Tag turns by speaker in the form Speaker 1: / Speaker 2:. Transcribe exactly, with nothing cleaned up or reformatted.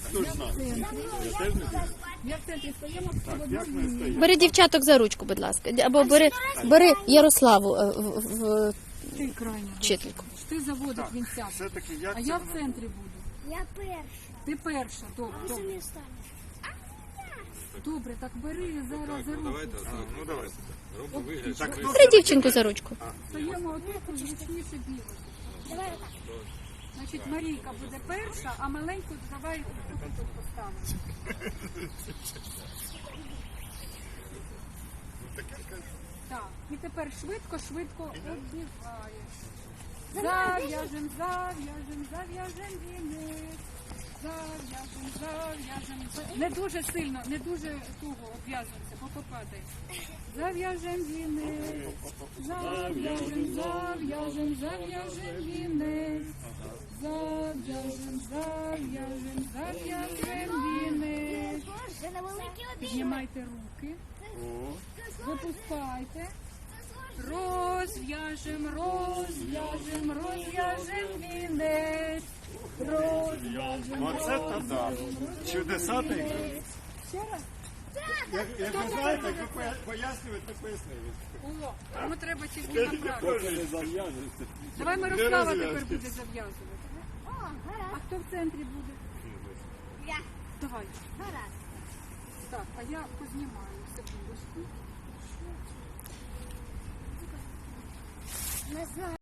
Speaker 1: хто ж знає? Я теж не знаю.
Speaker 2: Я в центрі стоїмо,
Speaker 1: Так, як ми стоїмо?
Speaker 3: Бери дівчаток за ручку, будь ласка. Або бери, бери Ярославу е, в, в
Speaker 2: ти крайня.
Speaker 3: вчительку.
Speaker 2: Ти заводик, він сяде.
Speaker 1: Все-таки як
Speaker 2: А
Speaker 1: це
Speaker 2: я в
Speaker 1: воно?
Speaker 2: центрі буду.
Speaker 4: Я перша.
Speaker 2: Ти перша, добре,
Speaker 4: Ти
Speaker 2: добре.
Speaker 4: самі станеш.
Speaker 2: Добре, так бери зараз за руку.
Speaker 1: А, ну давайте. Так, хто
Speaker 3: Бери дівчинку за ручку.
Speaker 2: Стоїмо отут, зручніше бігати.
Speaker 4: Давай отак.
Speaker 2: Значить, Марійка буде перша, а маленьку давай тут тут поставимо. Так, і тепер швидко, швидко оббігаєш. Зав'яжем, зав'яжем, зав'яжем вінець. Зав'яжем, зав'яжем. Не дуже сильно, не дуже туго обв'язується, бо попадає. Зав'яжем вінець. Зав'яжем, зав'яжем, зав'яжем вінець. Зав'яжем, зав'яжем, зав'яжем вінець.
Speaker 4: Це на великі обійми.
Speaker 2: Піднімайте руки.
Speaker 1: О,
Speaker 2: Випускайте. Розв'яжем, розв'яжем, розв'яжем вінець. Розв'яжем,
Speaker 1: оце та да. Чудеса та й.
Speaker 2: Ще раз.
Speaker 1: Як, як ви знаєте, як ви поя- пояснюєте, пояснюєте.
Speaker 2: О, тому треба тільки набрати.
Speaker 1: Кожен не зав'яжеться.
Speaker 2: Давай
Speaker 1: Не
Speaker 2: Мирослава
Speaker 1: розв'язуйте.
Speaker 2: тепер буде зав'язувати.
Speaker 4: О,
Speaker 2: А
Speaker 4: гаразд.
Speaker 2: хто в центрі буде?
Speaker 4: Я.
Speaker 2: Давай.
Speaker 4: Гаразд.
Speaker 2: Так, а я познімаю секундочку.
Speaker 4: Не знаю.